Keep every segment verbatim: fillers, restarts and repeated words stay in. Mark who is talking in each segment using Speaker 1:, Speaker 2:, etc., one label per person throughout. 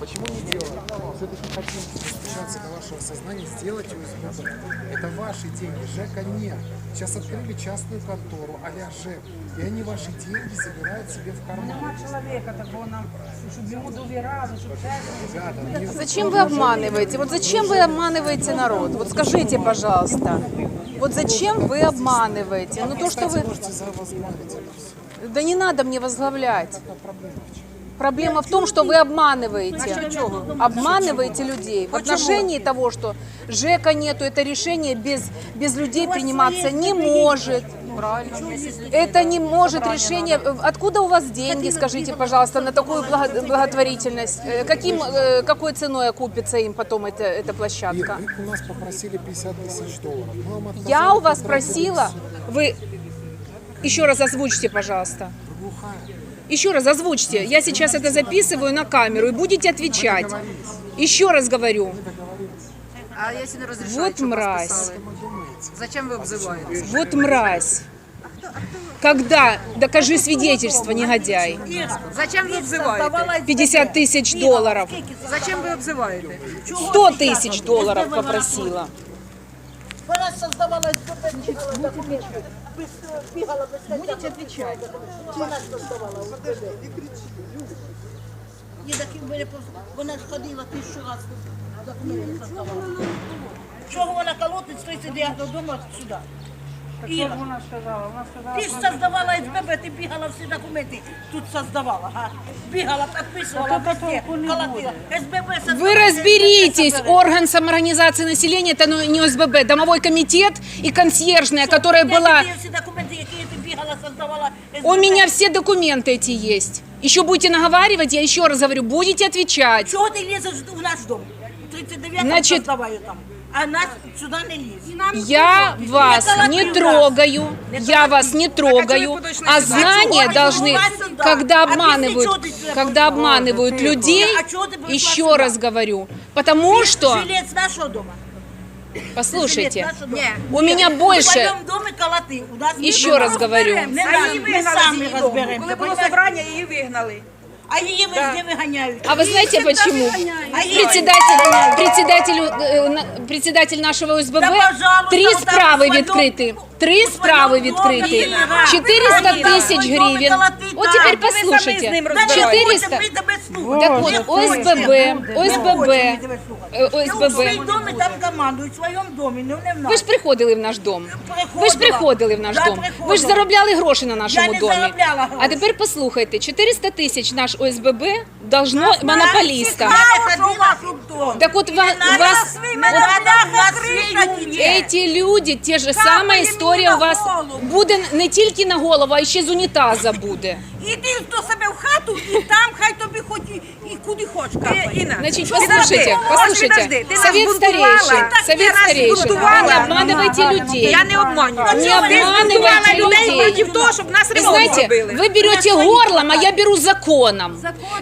Speaker 1: Почему не делаем? Все-таки хотим достучаться до вашего сознания, сделать ОСББ. Это ваши деньги, ЖЭКа нет. Сейчас открыли частную контору, а-ля ЖЭК, и они ваши деньги забирают себе в карман.
Speaker 2: Нема человека такого нам, чтобы ему доверяли, чтобы
Speaker 1: Ребята, не-
Speaker 3: Зачем вы обманываете? Вот зачем вы обманываете народ? Вот скажите, пожалуйста. Вот зачем вы обманываете? Ну то, что вы...
Speaker 1: можете возглавить это все.
Speaker 3: Да не надо мне возглавлять.
Speaker 1: Какая проблема?
Speaker 3: Проблема в том, что вы обманываете. Обманываете людей. В отношении того, что ЖЭКа нету, это решение без, без людей приниматься не может. Это не может решение. Откуда у вас деньги, скажите, пожалуйста, на такую благо- благотворительность? Э, Каким, э, какой ценой окупится им потом эта, эта площадка?
Speaker 1: Ир, вы у нас попросили пятьдесят тысяч долларов. Мы вам отказали
Speaker 3: Я у вас
Speaker 1: потратили
Speaker 3: просила,
Speaker 1: все.
Speaker 3: вы еще раз озвучьте, пожалуйста.
Speaker 1: Вы глухая.
Speaker 3: Еще раз озвучьте. Я сейчас это записываю на камеру и будете отвечать. Еще раз говорю.
Speaker 4: А если не разрешаете,
Speaker 3: Вот
Speaker 4: что вас
Speaker 3: мразь.
Speaker 4: писали? Зачем вы обзываете?
Speaker 3: Вот мразь. Когда? Докажи свидетельство, негодяй.
Speaker 4: Зачем вы обзываете?
Speaker 3: пятьдесят тысяч долларов.
Speaker 4: Зачем вы обзываете?
Speaker 3: сто тысяч долларов попросила.
Speaker 5: Вона создавала СББ, документи. Бігала без
Speaker 2: будете отвечать.
Speaker 5: Вона создавала СББ. Ні, так і в мене просто- вона ходила тисячу разів документи создавала. Чого вона колотить з тридцять дев'ятого дому сюди?
Speaker 2: Так что она сказала? Она сказала,
Speaker 5: Ти ж создавала СББ, ти бігала всі документи, тут создавала, га? Бігала, підписувала,
Speaker 2: Так это
Speaker 5: везде,
Speaker 2: толку не
Speaker 5: колотила. СББ создавала.
Speaker 3: Вы разберитесь,
Speaker 5: СББ.
Speaker 3: орган самоорганизации населения, это ну, не ОСББ, домовой комитет и консьержная, которая
Speaker 5: Я
Speaker 3: была...
Speaker 5: тобі всі документи, які ти бігала, создавала СББ.
Speaker 3: У меня все документы эти есть. Еще будете наговаривать, я еще раз говорю, будете отвечать.
Speaker 5: Чого ти лізеш в наш дом? тридцять дев'ятого
Speaker 3: Значить-
Speaker 5: создаваю там, а нас сюди не ліз.
Speaker 3: Я вас не трогаю, я вас не трогаю, а знания должны, когда обманывают, когда обманывают людей, еще раз говорю, потому что,
Speaker 5: Жилець нашого дома.
Speaker 3: послушайте,
Speaker 5: Жилець нашого дома.
Speaker 3: у меня
Speaker 5: В
Speaker 3: больше,
Speaker 5: своєму домі колоти. У нас
Speaker 3: еще раз говорю,
Speaker 5: Не надо, ми самі розберемося.
Speaker 4: Коли було собрання, її вигнали.
Speaker 5: А її везде виганяють.
Speaker 3: а вы знаете почему?
Speaker 5: А її
Speaker 3: Председатель, председатель, э, на- председатель нашего ОСББ,
Speaker 5: Да, пожалуйста,
Speaker 3: три
Speaker 5: вот так
Speaker 3: справы
Speaker 5: в своем-
Speaker 3: відкрыты, три
Speaker 5: в
Speaker 3: справы
Speaker 5: своем
Speaker 3: відкрыты,
Speaker 5: доме, да.
Speaker 3: четыреста
Speaker 5: Да,
Speaker 3: тысяч
Speaker 5: в своем доме
Speaker 3: гривен.
Speaker 5: колотить,
Speaker 3: Вот
Speaker 5: да.
Speaker 3: теперь
Speaker 5: Ви самі з
Speaker 3: послушайте,
Speaker 4: ним
Speaker 5: Да не
Speaker 3: четыреста.
Speaker 5: хочете, ви тебе слухати.
Speaker 3: Так
Speaker 5: Не
Speaker 3: вот,
Speaker 5: хочете.
Speaker 3: ОСББ,
Speaker 5: Не
Speaker 3: ОСББ,
Speaker 5: хочете, ви тебе слухати.
Speaker 3: э,
Speaker 5: Я у своїй
Speaker 3: ОСББ.
Speaker 5: домі там командують, в своєму домі, ну не в нас.
Speaker 3: Ви ж приходили в наш дом.
Speaker 5: Приходила.
Speaker 3: Ви ж приходили в наш
Speaker 5: Да,
Speaker 3: дом. Ви ж
Speaker 5: приходила.
Speaker 3: заробляли гроші на нашому
Speaker 5: Я не
Speaker 3: домі.
Speaker 5: заробляла гроші.
Speaker 3: А тепер послухайте, чотириста тисяч наш ОСББ должно монополістам.
Speaker 5: Я не ходила в дом.
Speaker 3: Так от ва-
Speaker 5: Не
Speaker 3: вас...
Speaker 5: надо, не надо, у нас свій є.
Speaker 3: Эти люди, те же сама історія у вас буде не тільки на голову, а ще з унітаза буде.
Speaker 5: Іди до себе в хату і там хай тобі хоч і, і куди хочеш капає.
Speaker 4: Інна,
Speaker 3: Значит,
Speaker 4: Подожди,
Speaker 3: послушайте,
Speaker 4: ось
Speaker 3: послушайте,
Speaker 4: підожди, ти нас
Speaker 3: совет
Speaker 4: бунтувала.
Speaker 3: старейшин,
Speaker 4: Так
Speaker 3: совет
Speaker 4: ти нас
Speaker 3: старейшин,
Speaker 4: бунтувала.
Speaker 3: не обманывайте людей.
Speaker 4: Я не обманюю.
Speaker 3: Не обманывайте людей.
Speaker 4: проти того, щоб нас
Speaker 3: Вы
Speaker 4: ремонт
Speaker 3: знаете,
Speaker 4: робили.
Speaker 3: вы берете горлом, а я беру законом.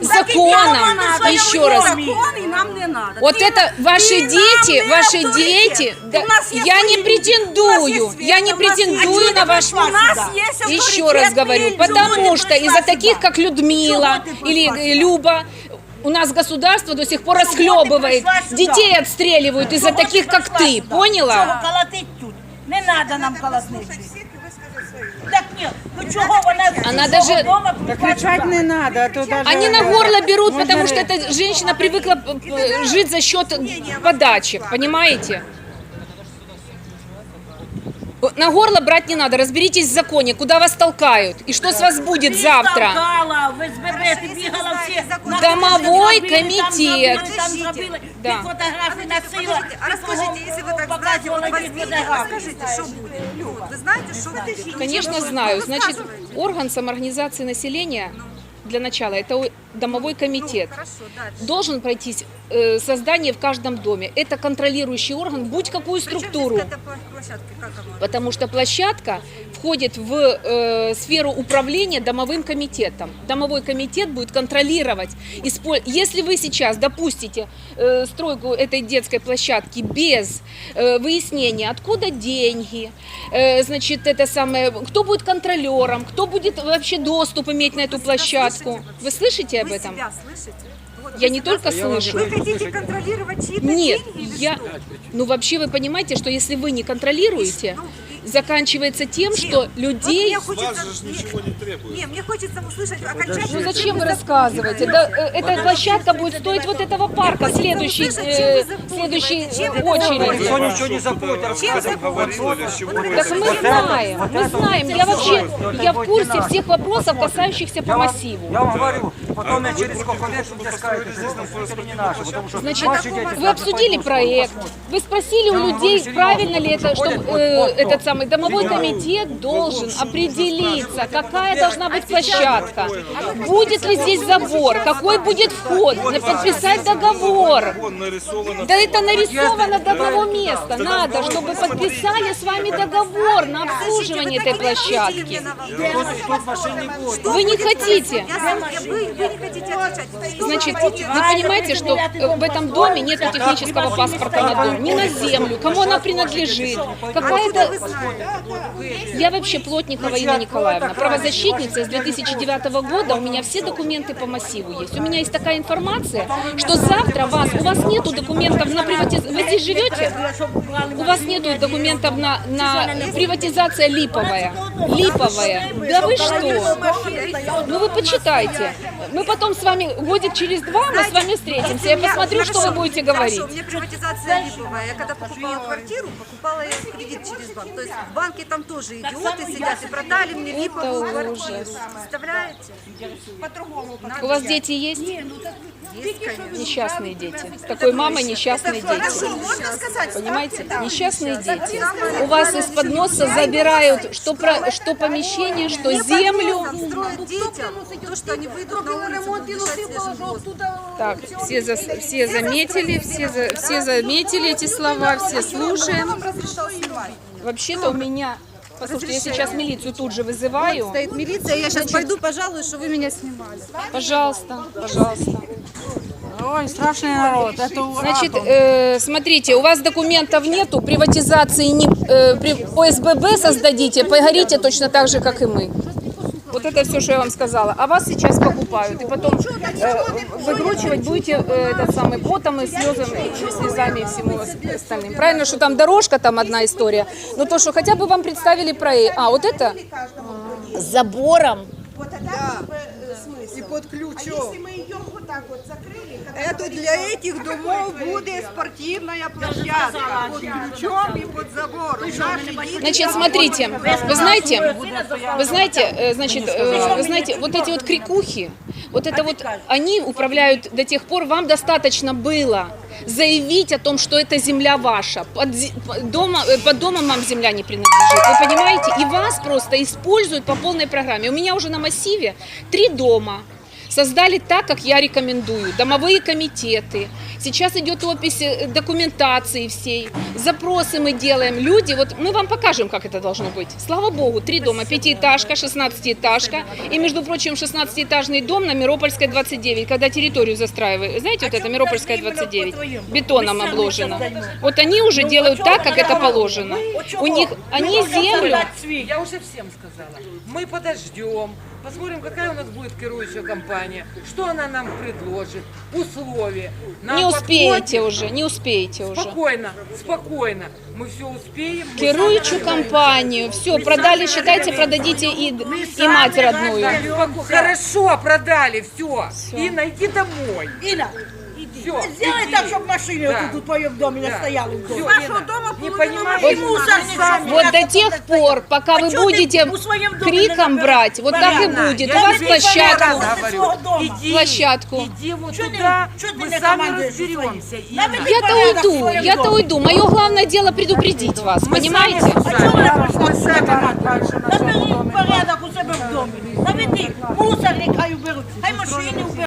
Speaker 3: Законом, еще раз.
Speaker 5: Закон і нам не надо.
Speaker 3: Вот это ваши дети, ваши дети, да, я не претендую, я не претендую на ваш... Еще раз говорю, потому что из-за таких, как Людмила или э, Люба, у нас государство до сих пор
Speaker 5: ты
Speaker 3: расхлебывает,
Speaker 5: пришла сюда?
Speaker 3: детей отстреливают из-за таких, как ты, поняла?
Speaker 5: Чого колотить тут? Не треба нам колотнити. Так ні, ну чого вона
Speaker 3: Она
Speaker 5: з
Speaker 3: даже-
Speaker 5: свого дома
Speaker 2: Так
Speaker 5: прийшла
Speaker 2: кричать
Speaker 5: сюди?
Speaker 2: не надо, а то даже...
Speaker 3: Они на горло берут,
Speaker 2: Можно
Speaker 3: потому
Speaker 2: ли-
Speaker 3: что эта женщина привыкла э, жить за счет подачек, понимаете? На горло брать не надо, разберитесь в законе, куда вас толкают и что с вас будет
Speaker 5: Ти
Speaker 3: завтра.
Speaker 5: толкала, в СББ, ти бігала всі. на
Speaker 3: Домовой
Speaker 5: кухні зробили, там
Speaker 3: комітет.
Speaker 5: зробили, Там зробили,
Speaker 3: Да.
Speaker 5: ти фотографії носила.
Speaker 4: А розкажіть, якщо ви так знаєте,
Speaker 5: показувала
Speaker 4: от вас
Speaker 5: ті
Speaker 4: відео,
Speaker 5: фотографії.
Speaker 4: розкажіть, що буде? Люд, ви знаєте, що буде?
Speaker 3: Конечно, знаю. Значит, орган самоорганизации населения для начала это о- домовой комитет.
Speaker 4: Хорошо, дальше.
Speaker 3: Должен пройтись э, создание в каждом доме. Это контролирующий орган, будь какую структуру.
Speaker 4: Причем здесь к этой площадке, как она?
Speaker 3: Потому что площадка входит в э, сферу управления домовым комитетом. Домовой комитет будет контролировать. испо- Если вы сейчас допустите э, стройку этой детской площадки без э, выяснения, откуда деньги, э, значит, это самое, кто будет контролером, кто будет вообще доступ иметь на эту площадку, подписку. Вы слышите об
Speaker 4: Вы
Speaker 3: этом?
Speaker 4: себя слышите? Вот
Speaker 3: Я
Speaker 4: вы
Speaker 3: не
Speaker 4: себя
Speaker 3: только
Speaker 4: слышите?
Speaker 3: слышу.
Speaker 4: Вы хотите контролировать чьи-то
Speaker 3: Нет,
Speaker 4: деньги или
Speaker 3: я...
Speaker 4: что?
Speaker 3: Ну, вообще вы понимаете, что если вы не контролируете, заканчивается тем,
Speaker 4: Чем?
Speaker 3: что
Speaker 4: Вот
Speaker 3: людей...
Speaker 4: мне хочется...
Speaker 6: Вас же ничего не требует.
Speaker 4: Не, мне хочется услышать окончательно.
Speaker 3: Ну зачем вы рассказываете? Да, э, эта площадка будет стоить вот этого парка, следующий, э, следующей э, очереди.
Speaker 7: Никто ничего не забудет рассказывать.
Speaker 6: Говорил или с чего вы
Speaker 3: Так мы знаем, мы знаем. Я вообще, я в курсе всех вопросов, касающихся по
Speaker 7: Я вам,
Speaker 3: массиву.
Speaker 7: я вам говорю, потом я через сколько лет мне скажете, что это не наше, потому что
Speaker 3: Значит,
Speaker 7: ваши дети
Speaker 3: вы обсудили проект, вы спросили у людей, правильно ли это, что э, этот самый домовой комитет должен определиться, какая должна быть площадка, будет ли здесь забор, какой будет вход, подписать договор.
Speaker 6: Вон нарисовано.
Speaker 3: Да это нарисовано до одного места. Надо, чтобы подписали с вами договор на обслуживание этой площадки.
Speaker 7: тут машин не будет.
Speaker 3: Вы не хотите.
Speaker 4: Я сам, я, вы, вы не хотите отвечать. Что
Speaker 3: Значит,
Speaker 4: вы хотите?
Speaker 3: вы понимаете, что в этом доме нет технического паспорта на дом, ни на землю, кому она принадлежит. Какая-то... Я вообще Плотникова Инна Николаевна, правозащитница с две тысячи девятого года, у меня все документы по массиву есть. У меня есть такая информация, что завтра вас, у вас нету документов на приватизацию, вы здесь живете? У вас нету документов на, на приватизация липовая. Липовая. Да вы что? Ну вы почитайте. Мы потом с вами, годик через два, мы с вами встретимся. Я
Speaker 4: Если у меня-
Speaker 3: посмотрю, что вы
Speaker 4: хорошо,
Speaker 3: будете говорить.
Speaker 4: Хорошо, у меня приватизация липовая. Я когда покупала квартиру, покупала я кредит через банк. То есть в банке там тоже идиоты сидят и продали мне липовую
Speaker 3: Это
Speaker 4: квартиру.
Speaker 3: ужас.
Speaker 4: Представляете?
Speaker 3: У вас дети есть?
Speaker 4: Есть, конечно.
Speaker 3: Несчастные дети. С такой мамой несчастные
Speaker 4: Хорошо,
Speaker 3: дети.
Speaker 4: можно сказать?
Speaker 3: Понимаете? Несчастные дети. У вас из-под носа забирают что, про, что помещение, что землю.
Speaker 4: Строят детям то, что они выйдут на улицу, будут дышать свежим воздухом.
Speaker 3: Так, все, за, все заметили, все, за, все заметили эти слова, все слушаем. Вообще-то у меня... Послушайте, я сейчас милицию тут же вызываю.
Speaker 4: Стоит милиция, я сейчас пойду, пожалуй, что вы меня снимали.
Speaker 3: Пожалуйста, пожалуйста.
Speaker 2: Ой, страшный народ. Это
Speaker 3: Значит, э, смотрите, у вас документов нету, приватизации не, э, при, по эс бэ бэ создадите, погорите точно так же, как и мы. Вот это все, что я вам сказала. А вас сейчас покупают. И потом э, выкручивать будете э, этот самый потом и слезами, и слезами и всему остальным. Правильно, что там дорожка, там одна история. Но то, что хотя бы вам представили проект. А, вот это с забором.
Speaker 8: И под ключом. Это для этих домов будет спортивная площадка. Под ключом и под забором. Наши дети
Speaker 3: Значит, смотрите, вы знаете, вы знаете, э, значит, э, вы знаете, вот эти вот крикухи, вот это вот, они управляют до тех пор, вам достаточно было заявить о том, что эта земля ваша, под, зе- под дома, э, под домом вам земля не принадлежит, вы понимаете, и вас просто используют по полной программе. У меня уже на массиве три дома. Создали так, как я рекомендую. Домовые комитеты. Сейчас идет опись документации всей. Запросы мы делаем. Люди, вот мы вам покажем, как это должно быть. Слава богу, три дома. Пятиэтажка, шестнадцатиэтажка. И, между прочим, шестнадцатиэтажный дом на Миропольской двадцать девять, когда территорию застраивают. Знаете, вот это Миропольская двадцать девять. Бетоном обложено. Вот они уже делают так, как это положено. У них, они землю...
Speaker 9: Я уже всем сказала. Мы подождем, посмотрим, какая у нас будет керующая компания, что она нам предложит, условия. Нам
Speaker 3: Не успеете
Speaker 9: подходит?
Speaker 3: уже, не успеете уже.
Speaker 9: Спокойно, спокойно. Мы все успеем. мы
Speaker 3: Керуючую
Speaker 9: сами
Speaker 3: компанию. Все, продали, считайте, продадите и, и мать родную.
Speaker 9: Споко- Хорошо, продали, все. Инна, иди домой.
Speaker 5: Инна,
Speaker 9: Все.
Speaker 5: сделай так, чтобы машины
Speaker 9: Да.
Speaker 5: вот тут в твоем доме не
Speaker 9: Да.
Speaker 5: стояли. в доме.
Speaker 9: Всё,
Speaker 5: Вашего
Speaker 9: Инна,
Speaker 5: дома
Speaker 9: не
Speaker 5: половина
Speaker 9: понимаешь,
Speaker 5: машин
Speaker 9: вот
Speaker 5: мусор не
Speaker 9: сами-
Speaker 3: Вот до тех пор, пока
Speaker 5: А
Speaker 3: вы
Speaker 5: чё ты
Speaker 3: будете
Speaker 5: у своем доме
Speaker 3: криком
Speaker 5: не
Speaker 3: брать, вот так и
Speaker 9: Инна,
Speaker 3: будет. У
Speaker 9: я
Speaker 3: вас
Speaker 9: тебе
Speaker 3: площадку.
Speaker 9: раз
Speaker 5: Возле
Speaker 9: говорю,
Speaker 5: своего дома.
Speaker 9: иди,
Speaker 3: Площадку.
Speaker 9: Иди вот
Speaker 5: Чё ты-
Speaker 9: туда,
Speaker 5: чё ты
Speaker 9: мы
Speaker 5: не
Speaker 9: сами
Speaker 5: командуешь
Speaker 9: разберемся.
Speaker 5: своим?
Speaker 9: Инна.
Speaker 5: Наведи
Speaker 3: Я-то
Speaker 5: порядок в
Speaker 3: уйду,
Speaker 5: своем
Speaker 3: я-то
Speaker 5: доме.
Speaker 3: уйду. Мое главное дело предупредить вас,
Speaker 9: Мы
Speaker 3: понимаете?
Speaker 9: сами
Speaker 5: А чого ви
Speaker 9: Мы
Speaker 5: прийшли?
Speaker 9: сами.
Speaker 5: Наведи порядок у себе в домі. Наведи, мусор нехай уберуть, хай машини уберуть.